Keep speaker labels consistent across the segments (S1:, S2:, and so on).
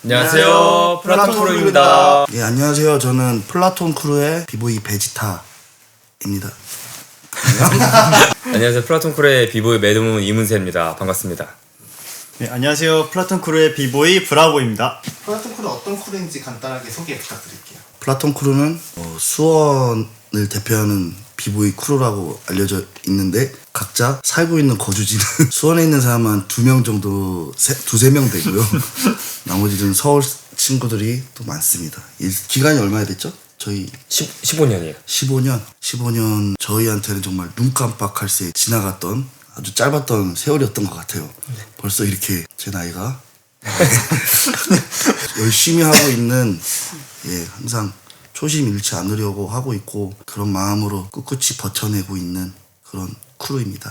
S1: 안녕하세요, 플라톤 크루입니다.
S2: 예, 안녕하세요. 저는 플라톤 크루의 비보이 베지타입니다.
S1: 안녕하세요, 플라톤 크루의 비보이 매드문 이문세입니다. 반갑습니다.
S3: 네, 안녕하세요. 플라톤 크루의 비보이 브라보입니다.
S4: 플라톤 크루 어떤 크루인지 간단하게 소개 부탁드릴게요.
S2: 플라톤 크루는 수원을 대표하는 비보이 크루라고 알려져 있는데 각자 살고 있는 거주지는 수원에 있는 사람은 2명 정도, 2~3명 되고요. 나머지는 서울 친구들이 또 많습니다. 기간이 얼마나 됐죠? 저희
S1: 15년이에요.
S2: 15년 저희한테는 정말 눈 깜빡할 새 지나갔던 아주 짧았던 세월이었던 것 같아요. 벌써 이렇게 제 나이가 열심히 하고 있는, 항상 초심 잃지 않으려고 하고 있고 그런 마음으로 꿋꿋이 버텨내고 있는 그런 크루입니다.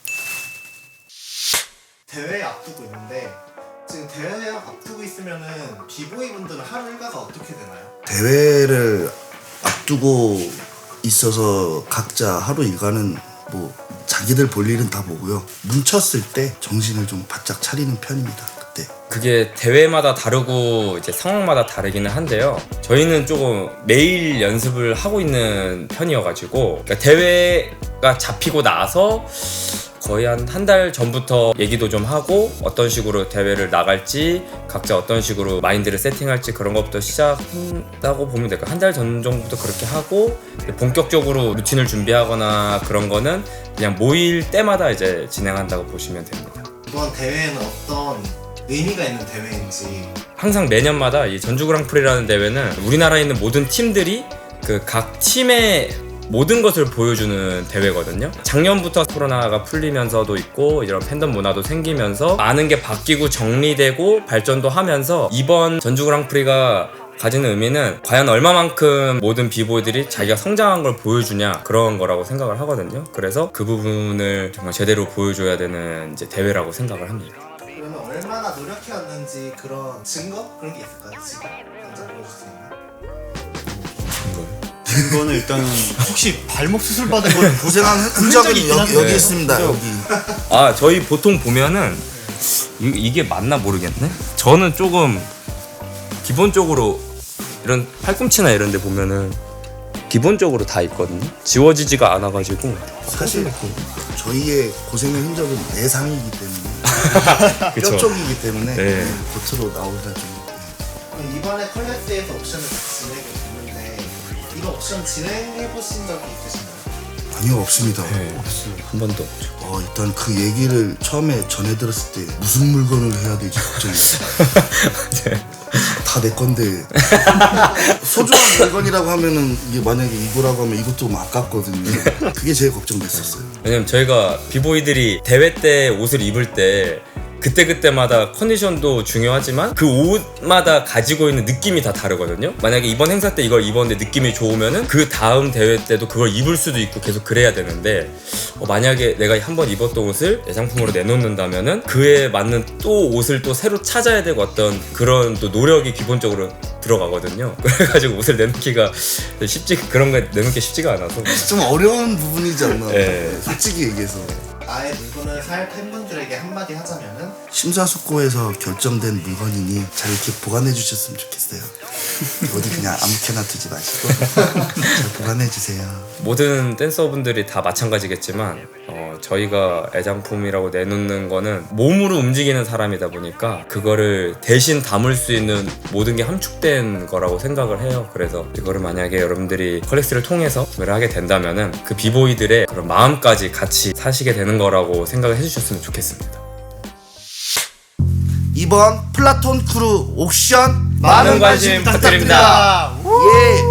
S4: 대회 앞두고 있는데 지금 대회 앞두고 있으면은 비보이 분들은 하루 일과가 어떻게 되나요?
S2: 대회를 앞두고 있어서 각자 하루 일과는 뭐 자기들 볼 일은 다 보고요. 뭉쳤을 때 정신을 좀 바짝 차리는 편입니다. 그때.
S1: 그게 대회마다 다르고 이제 상황마다 다르기는 한데요. 저희는 조금 매일 연습을 하고 있는 편이어가지고 그러니까 대회가 잡히고 나서 거의 한 달 전부터 얘기도 좀 하고 어떤 식으로 대회를 나갈지 각자 어떤 식으로 마인드를 세팅할지 그런 것부터 시작한다고 보면 될까요? 한 달 전 정도부터 그렇게 하고 본격적으로 루틴을 준비하거나 그런 거는 그냥 모일 때마다 이제 진행한다고 보시면 됩니다.
S4: 이번 대회는 어떤 의미가 있는 대회인지.
S1: 항상 매년마다 이 전주 그랑프리라는 대회는 우리나라에 있는 모든 팀들이 그 각 팀의 모든 것을 보여주는 대회거든요. 작년부터 코로나가 풀리면서도 있고 이런 팬덤 문화도 생기면서 많은 게 바뀌고 정리되고 발전도 하면서 이번 전주 그랑프리가 가지는 의미는 과연 얼마만큼 모든 비보이들이 자기가 성장한 걸 보여주냐 그런 거라고 생각을 하거든요. 그래서 그 부분을 정말 제대로 보여줘야 되는 이제 대회라고 생각을 합니다.
S4: 그러면 얼마나 노력해왔는지 그런 증거? 그런 게 있을까요? 지금 당장 보여줄 수 있나요?
S3: 이거는 일단은 혹시 발목 수술 받은 걸
S2: 고생한
S3: 흔적이
S2: 흔적은
S3: 있긴 한데.
S2: 여기 있습니다. 여기.
S1: 저희 보통 보면은 이게 맞나 모르겠네. 저는 조금 기본적으로 이런 팔꿈치나 이런 데 보면은 기본적으로 다 있거든요. 지워지지가 않아가지고
S2: 사실 저희의 고생의 흔적은 내상이기 때문에 뼈 쪽이기 때문에
S1: 네.
S2: 겉으로 나오기가 좀.
S4: 그럼 이번에 컬렉스에서 옵션을 같이 진행해보는데 이런 옵션 진행해보신 적이 있으신가요?
S2: 아니요, 없습니다.
S1: 한 번도 없죠.
S2: 일단 그 얘기를 처음에 전해 들었을 때 무슨 물건을 해야 될지 걱정했어요. 다 내 건데 소중한 물건이라고 하면은 이게 만약에 이거라고 하면 이것도 좀 아깝거든요. 그게 제일 걱정됐었어요.
S1: 왜냐면 저희가 비보이들이 대회 때 옷을 입을 때 그때그때마다 컨디션도 중요하지만 그 옷마다 가지고 있는 느낌이 다 다르거든요. 만약에 이번 행사 때 이걸 입었는데 느낌이 좋으면은 그 다음 대회 때도 그걸 입을 수도 있고 계속 그래야 되는데 만약에 내가 한번 입었던 옷을 애장품으로 내놓는다면은 그에 맞는 또 옷을 또 새로 찾아야 되고 어떤 그런 또 노력이 기본적으로 들어가거든요. 그래가지고 옷을 내놓기가 그런 거 내놓기 쉽지가 않아서
S2: 좀 어려운 부분이지 않나.
S1: 네.
S2: 솔직히 얘기해서.
S4: 나의 물건을 살 팬분들에게 한마디 하자면은
S2: 심사숙고해서 결정된 물건이니 잘 이렇게 보관해 주셨으면 좋겠어요. 어디 그냥 아무렇게나 두지 마시고 잘 보관해 주세요.
S1: 모든 댄서분들이 다 마찬가지겠지만 저희가 애장품이라고 내놓는 거는 몸으로 움직이는 사람이다 보니까 그거를 대신 담을 수 있는 모든 게 함축된 거라고 생각을 해요. 그래서 이거를 만약에 여러분들이 컬렉스를 통해서 구매를 하게 된다면은 그 비보이들의 그런 마음까지 같이 사시게 되는 거라고 생각을 해주셨으면 좋겠습니다.
S2: 이번 플라톤 크루 옥션
S1: 많은 관심 부탁드립니다.
S2: 예.